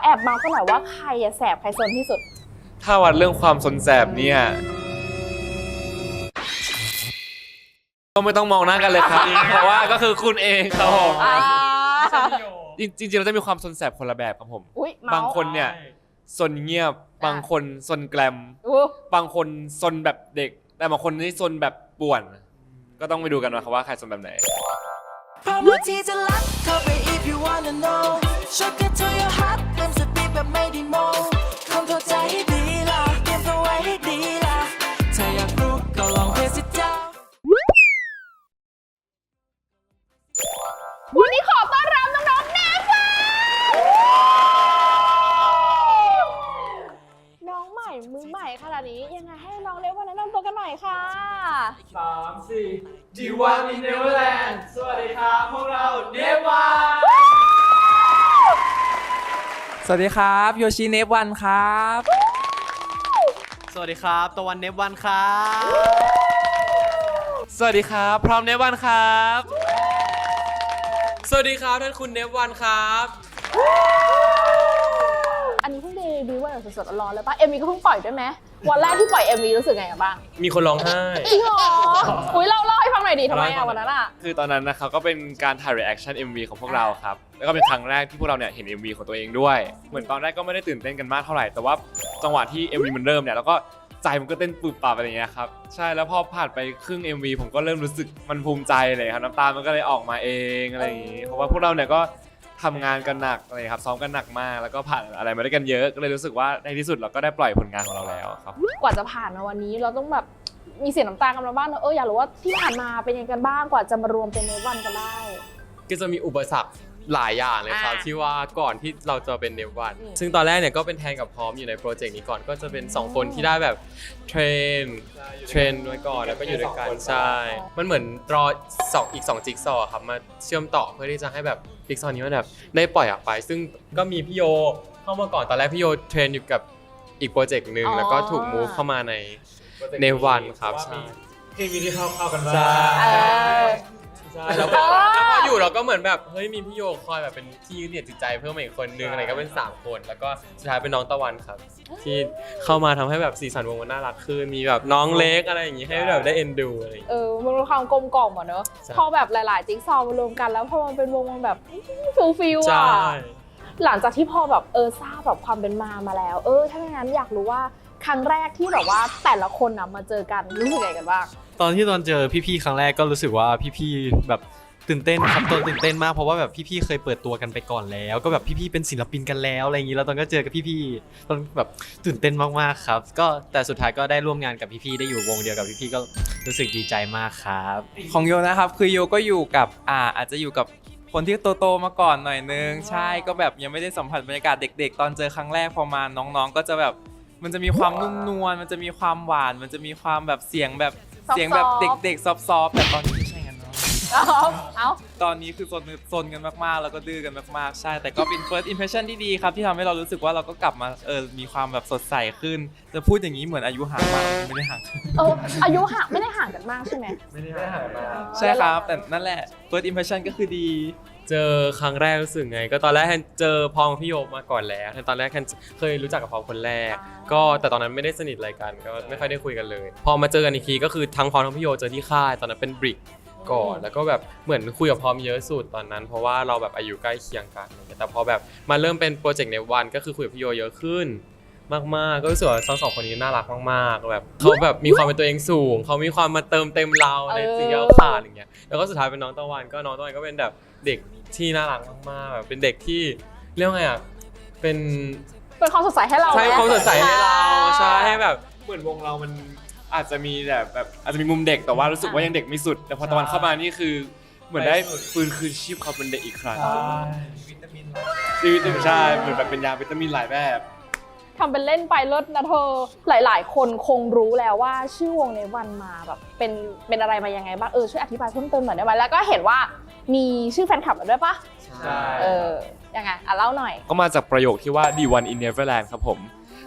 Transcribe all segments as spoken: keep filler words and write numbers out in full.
อบเมาส์กันหน่อยว่าใครอะแสบใครซนที่สุดถ้าวัดเรื่องความซนแสบเนี่ยก็ไม่ต้องมองหน้ากันเลยครับ เพราะว่าก็คือคุณเองครับผมจริงๆเราจะมีความซนแสบคนละแบบครับผมบางคนเนี่ยซนเงียบบางคนซนแกลมบางคนซนแบบเด็กแต่บางคนนี่ซนแบบป่วนก็ต้องไปดูกันนะครับว่าใครซนแบบไหนพร้อมที่จะรักเข้าไป if you wanna know shock it to your heart เต็มสติแบบไม่ได้โมคงเข้าใจให้ดีล่ะเตรียมตัวไว้ให้ดีล่ะถ้าอยากรู้ก็ลองเทสเจ้าวันนี้ขอต้อนรับน้องๆเนฟ่าน้องใหม่มือใหม่ขนาดนี้ยังไงให้น้องเนฟ่าแนะนำตัวกันหน่อยค่ะสามสี่ ดี วัน in Neverland สวัสดีครับพวกเราเนฟ่าสวัสดีครับโยชิเนฟวันครับสวัสดีครับตะวันเนฟวันครับสวัสดีครับพร้อมเนฟวันครับสวัสดีครับท่านคุณเนฟวันครับอันนี้เพิ่งเดบิวต์วันสดๆร้อนๆเลยป่ะเอ็มวีก็เพิ่งปล่อยด้วยไหมวันแรกที่ปล่อย เอ็ม วี รู้สึกไงบ้างมีคนร้องไห้จริงเหรออุ้ยเล่าเล่าให้ฟังหน่อยดิทำไมอะวันนั้นอะคือตอนนั้นนะครับก็เป็นการถ่าย reaction เอ็ม วี ของพวกเราครับแล้วก็เป็นครั้งแรกที่พวกเราเนี่ยเห็น เอ็ม วี ของตัวเองด้วยเหมือนตอนแรกก็ไม่ได้ตื่นเต้นกันมากเท่าไหร่แต่ว่าจังหวะที่ เอ็ม วี มันเริ่มเนี่ยแล้วก็ใจมันก็เต้นปุบปับอะไรอย่างเงี้ยครับใช่แล้วพอผ่านไปครึ่ง เอ็ม วี ผมก็เริ่มรู้สึกมันภูมิใจเลยครับน้ำตามันก็เลยออกมาเองอะไรอย่างงี้เพราะว่าพวกเราเนี่ยก็ทำงานกันหนักเลยครับซ้อมกันหนักมากแล้วก็ผ่านอะไรมาด้วยกันเยอะก็เลยรู้สึกว่าในที่สุดเราก็ได้ปล่อยผลงานของเราแล้วครับกว่าจะผ่านมาวันนี้เราต้องแบบมีเสียน้ำตากันมาบ้างเอออยากรู้ว่าที่ผ่านมาเป็นยังไงกันบ้างกว่าจะมารวมเป็นเนฟวันกันได้ก็จะมีอุปสรรคหลายอย่างเลยครับที่ว่าก่อนที่เราจะเป็นเนฟวันซึ่งตอนแรกเนี่ยก็เป็นแทนกับพร้อมอยู่ในโปรเจกต์นี้ก่อนก็จะเป็นสองคนที่ได้แบบเทรนเทรนไว้ก่อนแล้วก็อยู่ด้วยกันใช่มันเหมือนรอสองอีกสองจิ๊กซอว์ครับมาเชื่อมต่อเพื่อที่จะให้แบบจิ๊กซอว์นี้มันแบบได้ปล่อยออกไปซึ่งก็มีพี่โยเข้ามาก่อนตอนแรกพี่โยเทรนอยู่กับอีกโปรเจกต์หนึ่งแล้วก็ถูกมูฟเข้ามาในเนฟวันครับใช่เคมีที่เข้าเข้ากันบ้างใช่แล้วพออยู่เราก็เหมือนแบบเฮ้ยมีพี่โยคอยแบบเป็นที่ยึดเหนี่ยวจิตใจเพิ่มมาอีกคนนึงอะไรก็เป็นสามคนแล้วก็สุดท้ายเป็นน้องตะวันครับที่เข้ามาทำให้แบบสีสันวงมันน่ารักขึ้นมีแบบน้องเล็กอะไรอย่างงี้ให้แบบได้เอ็นดูอะไรอย่างงี้เออมันมีความกลมกล่อมอ่ะเนอะพอแบบหลายๆจิ๊กซอว์มารวมกันแล้วพอมันเป็นวงมันแบบฟิลฟิลอ่ะหลังจากที่พอแบบเออทราบแบบความเป็นมามาแล้วเออถ้าอย่างนั้นอยากรู้ว่าครั้งแรกที่แบบว่าแต่ละคนนะมาเจอกันรู้สึกไงกันบ้างตอนที่ตอนเจอพี่ๆครั้งแรกก็รู้สึกว่าพี่ๆแบบตื่นเต้นครับตอนตื่นเต้นมากเพราะว่าแบบพี่ๆเคยเปิดตัวกันไปก่อนแล้วก็แบบพี่ๆเป็นศิลปินกันแล้วอะไรอย่างนี้แล้วตอนก็เจอกับพี่ๆตอนแบบตื่นเต้นมากๆครับก็แต่สุดท้ายก็ได้ร่วมงานกับพี่ๆได้อยู่วงเดียวกับพี่ๆก็รู้สึกดีใจมากครับของโยนะครับคือโยก็อยู่กับอ่าอาจจะอยู่กับคนที่โตๆมาก่อนหน่อยนึงใช่ก็แบบยังไม่ได้สัมผัสบรรยากาศเด็กๆตอนเจอครั้งแรกพอมาน้องๆก็จะแบบมันจะมีความนุ่มนวลมันจะมีความหวานมันจะมีความแบบเสียงแบบเสียงแบบเด็กๆซอฟๆแต่ตอนนี้ไม่ใช่กันเนาะเอาตอนนี้คือซนซนกันมากๆแล้วก็ดื้อกันมากๆใช่แต่ก็เป็น first impression ที่ดีครับที่ทำให้เรารู้สึกว่าเราก็กลับมาเออมีความแบบสดใสขึ้นจะพูดอย่างนี้เหมือนอายุห่างมากไม่ได้ห่างเอออายุห่างไม่ได้ห่างกันมากใช่ไหมไม่ได้ห่างมากใช่ครับแต่นั่นแหละ first impression ก็คือดีเจอครั้งแรกรู้สึกไงก็ตอนแรกแทนเจอพองพี่โยมาก่อนแล้วตอนแรกแทนเคยรู้จักกับพองคนแรกก็แต่ตอนนั้นไม่ได้สนิทอะไรกันก็ไม่ค่อยได้คุยกันเลยพอมาเจอกันอีกทีก็คือทั้งพองทั้งพี่โยเจอที่ค่ายตอนนั้นเป็นบริกก่อนแล้วก็แบบเหมือนคุยกับพอมเยอะสุดตอนนั้นเพราะว่าเราแบบอายุใกล้เคียงกันแต่พอแบบมาเริ่มเป็นโปรเจกต์ในวันก็คือคุยกับพี่โยเยอะขึ้นมากๆก็รู้สึกว่าทั้งสองคนนี้น่ารักมากๆแบบเขาแบบมีความเป็นตัวเองสูงเขามีความมาเติมเต็มเราในสิ่งที่เราขาดอย่างเงี้ยแล้วก็สุดท้ายเป็นน้องตะวันก็น้องตะวันก็เป็นแบบเด็กที่น่ารักมากๆแบบเป็นเด็กที่เรียกว่าไงอ่ะเป็นเป็นความสดใสให้เราใช่ความสดใสให้เราใช่ให้แบบเหมือนวงเรามันอาจจะมีแบบแบบอาจจะมีมุมเด็กแต่ว่ารู้สึกว่ายังเด็กไม่สุดแต่พอตะวันเข้ามานี่คือเหมือนได้ฟื้นคืนชีพเขาเป็นเด็กอีกครั้งวิตามินวิตามินใช่เหมือนแบบเป็นยาวิตามินหลายแบบทำเป็นเล่นไปเลิศนะเธอหลายๆคนคงรู้แล้วว่าชื่อวงในวันมาแบบเป็นเป็นอะไรมายังไงบ้างเออช่วยอธิบายเพิ่มเติมหน่อยได้ไหมแล้วก็เห็นว่ามีชื่อแฟนคลับด้วยปะใช่เออยังไงอ่ะเล่าหน่อยก็มาจากประโยคที่ว่า ดี วัน in Neverland ครับผม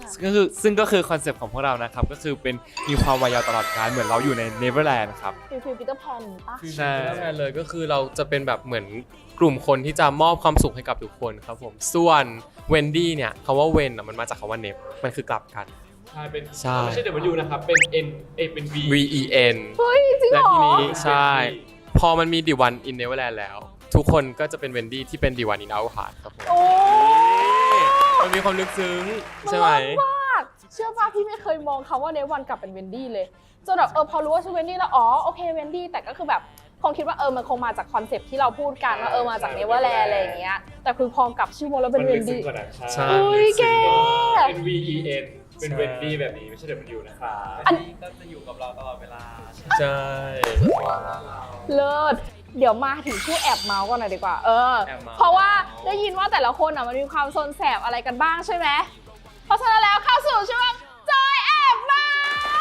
ก็คือซึ่งก็คือคอนเซปต์ของพวกเรานะครับก็คือเป็นมีความวายาวตลอดกาลเหมือนเราอยู่ในเนเวอร์แลนด์ครับฟิลฟิลปีเตอร์แพนปะใช่ใช่เลยก็คือเราจะเป็นแบบเหมือนกลุ่มคนที่จะมอบความสุขให้กับทุกคนครับผมส่วนเวนดี้เนี่ยคำว่าเวนอ่ะมันมาจากคำว่าเนฟมันคือกลับกันใช่เป็นใช่ไม่ใช่ W นะครับเป็น N เอยเป็น V V E N เฮ้ยจริงเหรและอทีนี้ใช่ พอมันมีดิวันอินเนเวอร์แลนด์แล้ว ทุกคนก็จะเป็นเวนดี้ที่เป็นดิวันอินเอาฮาร์ดครับผมโอ้มันมีความลึกซึ้งใช่ไหมมากเชื่อป่ะพี่ไม่เคยมองคำว่าเนวันกลับเป็นเวนดี้เลยจนแบบเออพอรู้ว่าชื่อเวนดี้แล้วอ๋อโอเคเวนดี้แต่ก็คือแบบคงคิดว่าเออมันคงมาจากคอนเซปต์ที่เราพูดกันว่าเออมาจากเนเวอร์แลนด์อะไรอย่างเงี้ยแต่คือพอกลับชื่อวงแล้วเป็นมันเวลึนกซึ้งดี้กว่านั้นใช่อุ้ยแกเป็น V E N เป็น Wendy แบบนี้ไม่ใช่ W นะครับอันนี้ก็จะอยู่กับเราตลอดเวลาใช่เลิศเดี๋ยวมาถึงชื่อแอบเมาส์กันหน่อยดีกว่าเออแอบเมาส์เพราะว่าได้ยินว่าแต่ละคนอ่ะมันมีความโซนแสบอะไรกันบ้างใช่ไหมเพราะฉะนั้นแล้วเข้าสู่ช่วงจอยแอบเมา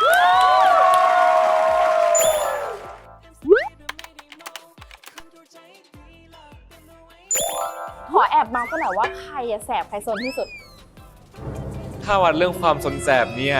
ขอแอบเมาส์กันหน่อยว่าใครอะแสบใครโซนที่สุดถ้าวัดเรื่องความสนแสบเนี่ย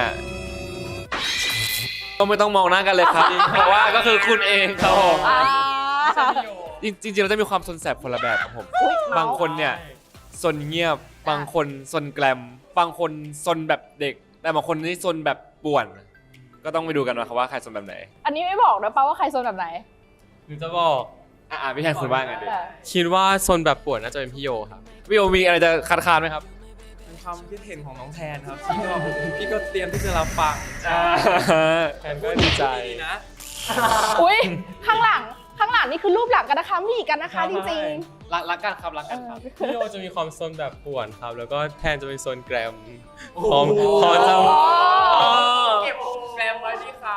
ก็ไม่ต้องมองหน้ากันเลยครับ เพราะว่าก็คือคุณเองครับผมอ่าจริงๆเราจะมีความสนแสบคนละแบบครับผมอุ๊ยเมาส์บางคนเนี่ยซนเงียบ บางคนซนแกลม บางคนซนแบบเด็ก แต่บางคนนี่ซนแบบป่วน ก็ต้องไปดูกันนะครับว่าใครซนแบบไหนอันนี้ไม่บอกนะป้าว่าใครโซนแบบไหนหนูจะบอกอ่าพี่แทนคุณว่าไงดิแต่คิดว่าโซนแบบป่วนน่าจะเป็นพี่โยครับพี่โอมีอะไรจะคัดค้านไหมครับเป็นความคิดเห็นของน้องแทนครับพี่ก็พี่ก็เตรียมที่จะรับฟังแทนก็ดีใจดีนะอุ้ยข้างหลังข้างหลังนี่คือรูปหลังกันนะคะมีกันนะคะจริงรักรักกันครับรักๆเอกันอครับพี่โยจะมีความโซนแบบป่วนครับ แล้วก็แทนจะเป็นโซนแกรมพร้อมพร้อมจะเก็บแกรมไว้ที่เขา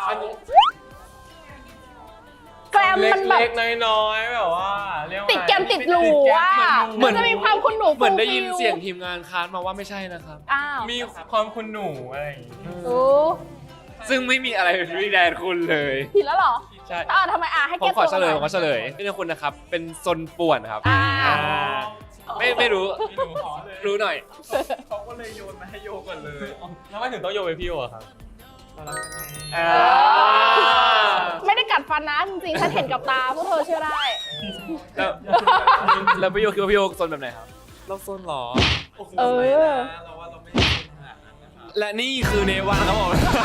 แกรมมันแบบเล็กๆน้อยๆแบบว่าเรียกว่าติดแกมติดหรูอ่ะเหมือนมันจะมีความคุณหนูเหมือนได้ยินฟูลฟิลเสียงทีมงานค้านมาว่าไม่ใช่นะครับอ้าวมีความคุณหนูอะไรอย่างงี้โอ้ซึ่งไม่มีอะไรเป็นวิแดนคุณเลยผิดแล้วเหรอใช่อ่าทำไมอ่ะให้ผมแก้ขอตัวเฉลยหผน่มขอเฉลยนี่เป็นคุณนะครับ เป็นซนป่วนครับอ่าอ่าไม่ไม่รู้ไม่รู้ขอเลยรู้หน่อยเขาก็เลยโยนมาให้โยก่อนเลยแล้วไม่ถึงต้องโยนเป็นพี่โยอะครับมารักกันไงอ่าไม่ได้กัดฟันนะจริงๆฉันเห็นกับตาพวกเธอเชื่อได้แล้วแล้วพี่โยคิดว่าพี่โยซนแบบไหนครับเราโซนเหรอเออไม่นะเราว่าเราไม่ได้โซนขนาดนั้นนะครับและนี่คือเนวาครับผม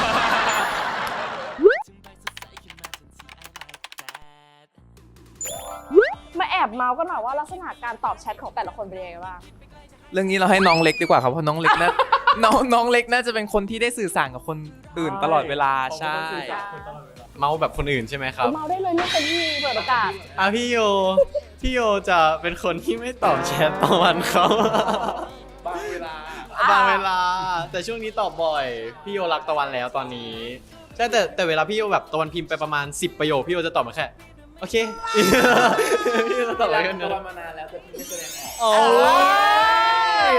มาแอบเมาส์กันหน่อยว่าลักษณะการตอบแชทของแต่ละคนเป็นยังไงบ้างเรื่องนี้เราให้น้องเล็กดีกว่าครับเพราะน้องเล็กน่า น้องน้องเล็กน่าจะเป็นคนที่ได้สื่อสารกับคนอื่นตลอดเวลาใช่เมาแบบคนอื่นใช่ไหมครับเมาได้เลยเรื่องเป็นที่เปิดโอกาสอ่ะพี่โย พี่โยจะเป็นคนที่ไม่ตอบแชทตะวันเขาบางเวลาบางเวลา แต่ช่วงนี้ตอบบ่อย พี่โยรักตะวันแล้วตอนนี้ใช่แต่แต่เวลาพี่โยแบบตะวันพิมพ์ไปประมาณสิบประโยคพี่โยจะตอบมาแค่โอเค พี่โยจะตอบอะไรกันเนี่ยมานานแล้วแต่พี่ไม่แสดงออกโอ้ย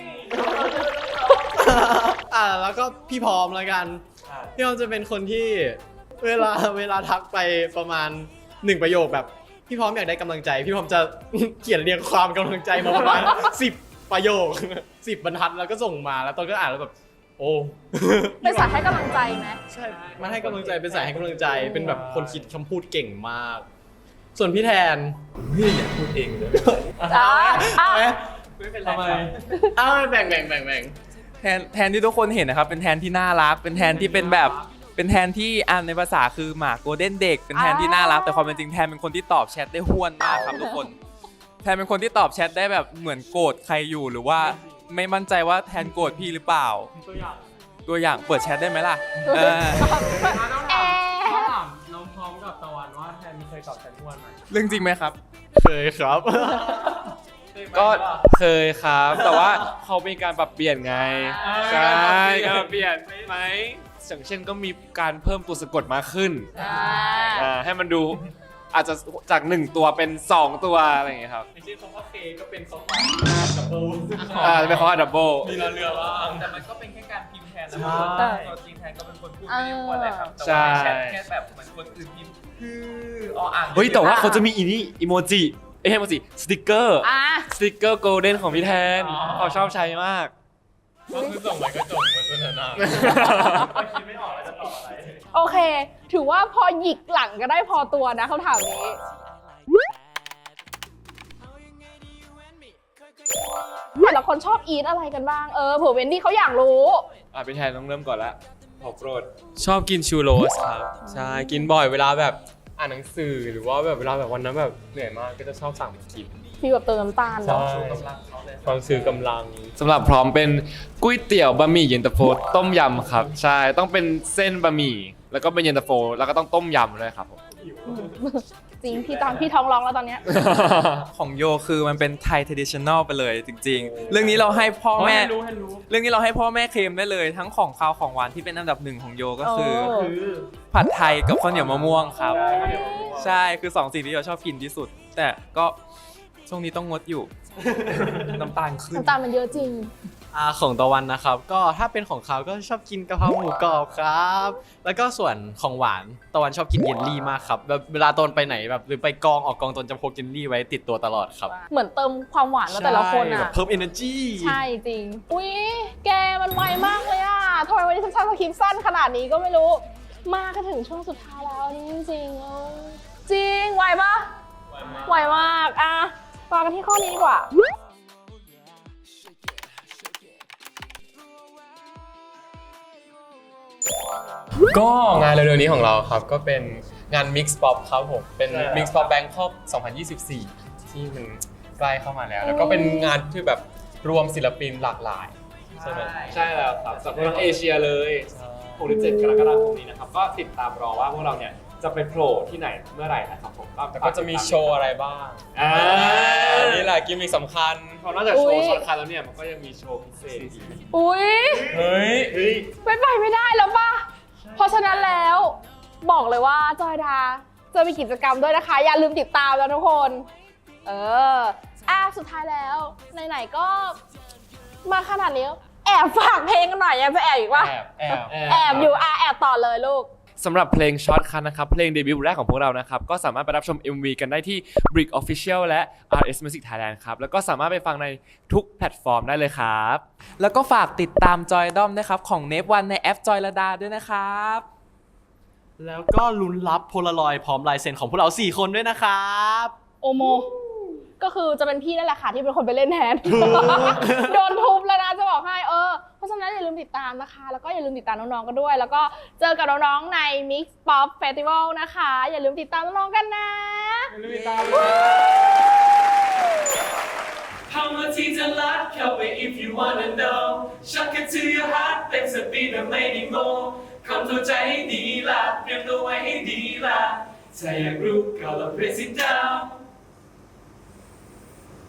อ่ะแล้วก็พี่พร้อมแล้วกัน พี่พร้อมจะเป็นคนที่เวลาเวลาทักไปประมาณหนึ่งประโยคแบบ พี่พร้อมอยากได้กำลังใจ พี่พร้อมจะ เขียนเรียงความกำลังใจมาประมาณ สิบประโยค สิบบรรทัดแล้วก็ส่งมาแล้วตอนก็อ่านแล้วแบบ โอ้เป็นสายให้กำลังใจไหมใช่มันให้กำลังใจเป็นสายให้กำลังใจ เป็นแบบคนคิดคำพูดเก่งมาก ส่วนพี่แทนพี่อยากพูดเองเลยอ่าอ่าไหมไม่เป็นไรทำไมอ้าวแบ่งแบ่งแบ่งแบ่งแทนแทนที่ทุกคนเห็นนะครับเป็นแทนที่น่ารัก เป็นแทนที่เป็นแบบเป็นแทนที่อ่านในภาษาคือหมาโกลเด้นเด็กเป็นแทนที่น่ารักแต่ความเป็นจริงแทนเป็นคนที่ตอบแชทได้ห้วนมากครับทุกคนแทนเป็นคนที่ตอบแชทได้แบบเหมือนโกรธใครอยู่หรือว่าไม่มั่นใจว่าแทนโกรธพี่หรือเปล่าตัวอย่างตัวอย่างเปิดแชทได้ไหมล่ะเออแอร์ถามน้องพร้อมกับตะวันว่าแทนเคยตอบแทนทุกวันไหมเรื่องจริงไหมครับเคยครับก็เคยครับ แต่ว่าเขามีการปรับเปลี่ยนไง ใช่การปรับเปลี่ยนไหมอย่างเช่นก็มีการเพิ่มตัวสะกดมากขึ้นอ่าอ่าให้มันดูอาจจะจากหนึ่งตัวเป็นสองตัวอะไรอย่างเงี้ยครับไม่ใช่คำว่าเคก็เป็นคำว่าดับเบิลอ่าเป็นคำว่าดับเบิลมีเราเรือว่าแต่มันก็เป็นแค่การพิมพ์แทนนะใช่ตัวจริงแทนก็เป็นคนพูดไม่ได้อ้วนอะไรครับแต่ใช่แชทแค่แบบเหมือนคนอื่นพิมพ์คือออ่างเฮ้ยแต่ว่าเขาจะมีอีนี่อีโมจิเอ้ยไม่ใช่อีโมจิสติกเกอร์อ่าสติกเกอร์โกลเด้นของพี่แทนเขาชอบใช้มากก็คือส่งไปก็จบมันสนทนาคิดไม่ออกแล้วจะตอบอะไรโอเค ถือว่าพอหยิกหลังก็ได้พอตัวนะคำถามนี้แต่ละคนชอบอีทอะไรกันบ้าง เออเผื่อเวนดี้เขาอยากรู้อ่ะพี่แทนต้องเริ่มก่อนละของโปรดชอบกินชูโรสครับใช่กินบ่อยเวลาแบบอ่านหนังสือหรือว่าแบบเวลาแบบวันนั้นแบบเหนื่อยมากก็จะชอบสั่งมากินฟีลแบบเติมน้ำตาลใช่เนาะความซื้อกำลังสำหรับพร้อมเป็นก๋วยเตี๋ยวบะหมี่เย็นตาโฟต้มยำครับ ใช่ต้องเป็นเส้นบะหมี่แล้วก็เป็นเย็นตาโฟแล้วก็ต้องต้มยำด้วยครับผมจริงพี่ตอนพี่ท้องร้องแล้วตอนเนี้ยของโยคือมันเป็นไทย traditional ไปเลยจริง ๆ เรื่องนี้เราให้พ่อแม่ให้รู้ให้รู้เรื่องนี้เราให้พ่อแม่เคลมได้เลย ทั้งของคาวของหวานที่เป็นอันดับหนึ่งของโยก็คือโอ้ผัดไทยกับข้าวเหนียวมะม่วงครับ ใช่คือสองสิ่งที่โยชอบกินที่สุด แต่ก็ช่วงนี้ต้องงดอยู่ น้ำตาลขึ้นน้ำตาลมันเยอะจริงอ่าของตะวันนะครับก็ถ้าเป็นของเขาก็ชอบกินกะเพราหมูกรอบครับ แล้วก็ส่วนของหวานตะวันชอบกินเยลลี่มากครับแบบเวลาตนไปไหนแบบหรือไปกองออกกองตนจะพกเยลลี่ไว้ติดตัวตลอดครับเหมือนเติมความหวานมาแต่ละคนใช่แบอ่ะบเพิ่ม energy ใช่จริง อุ๊ย แกมันไวมากเลยอ่ะทำไมวันนี้ฉันชอบคลิปสั้นขนาดนี้ก็ไม่รู้ มากันถึงช่วงสุดท้ายแล้วนี่จริงๆเออจริง ไวปะไวมากอ่ะมากันที่ข้อนี้ดีกว่าก็งานเร็วๆนี้ของเราครับก็เป็นงาน Mix Pop ครับผมเป็นใช่ครับ Mix Pop Bangkok สองพันยี่สิบสี่ ที่มันใกล้เข้ามาแล้ว แล้วก็เป็นงานที่แบบรวมศิลปินหลากหลายใช่ไหมใช่แล้วครับสำหรับทั้งเอเชียเลยหกถึงเจ็ดกรกฎาคมนี้นะครับก็ติดตามรอว่าพวกเราเนี่ยจะไปโผล่ที่ไหนเมื่อไหร่นะครับผมแล้วก็จะมีโชว์อะไรบ้างอ่าอันนี้แหละกิมมิคสำคัญพอนอกจากโชอุ๊ว์ยสำคัญแล้วเนี่ยมันก็ยังมีโชว์พิเศษอีกอุ๊ยเฮ้ยเฮ้ยไม่ไปไม่ได้แล้วป่ะ เพราะฉะนั้นแล้วบอกเลยว่าจอยดาจะมีกิจกรรมด้วยนะคะ อย่าลืมติดตามแล้วทุกคน เอออ่ะสุดท้ายแล้วไหนๆก็มาขนาดนี้แอบฝากเพลงกันหน่อยยังจะแอบอีกวะแอบแอบแอบอยู่อ่ะแอบต่อเลยลูกสำหรับเพลงช็อตคัทนะครับเพลงเดบิวต์แรกของพวกเรานะครับก็สามารถไปรับชม เอ็ม วี กันได้ที่ Brick Official และ อาร์ เอส Music Thailand ครับแล้วก็สามารถไปฟังในทุกแพลตฟอร์มได้เลยครับแล้วก็ฝากติดตามจอยด้อมนะครับของเนฟวันในแอปจอยระดาด้วยนะครับแล้วก็ลุ้นรับโพลารอยด์พร้อมลายเซ็นของพวกเราสี่คนด้วยนะครับโอโม ก็คือจะเป็นพี่นั่นแหละค่ะที่เป็นคนไปเล่นแทน โดนทุบแล้วนะจะบอกให้เออเพราะฉะนั้นอย่าลืมติดตามนะคะ แล้วก็อย่าลืมติดตามน้องๆกันด้วย แล้วก็เจอกับน้องๆใน Mix Pop Festival นะคะ อย่าลืมติดตามน้องๆกันนะเข้ามาที่จะรักเข้าไป if you wanna know ชักกัน to your heart เต็มสปีดแบบไม่ได้โมคำเข้าใจให้ดีล่ะเตรียมตัวไว้ให้ดีล่ะถ้าอยากรู้ก็ลอง press it down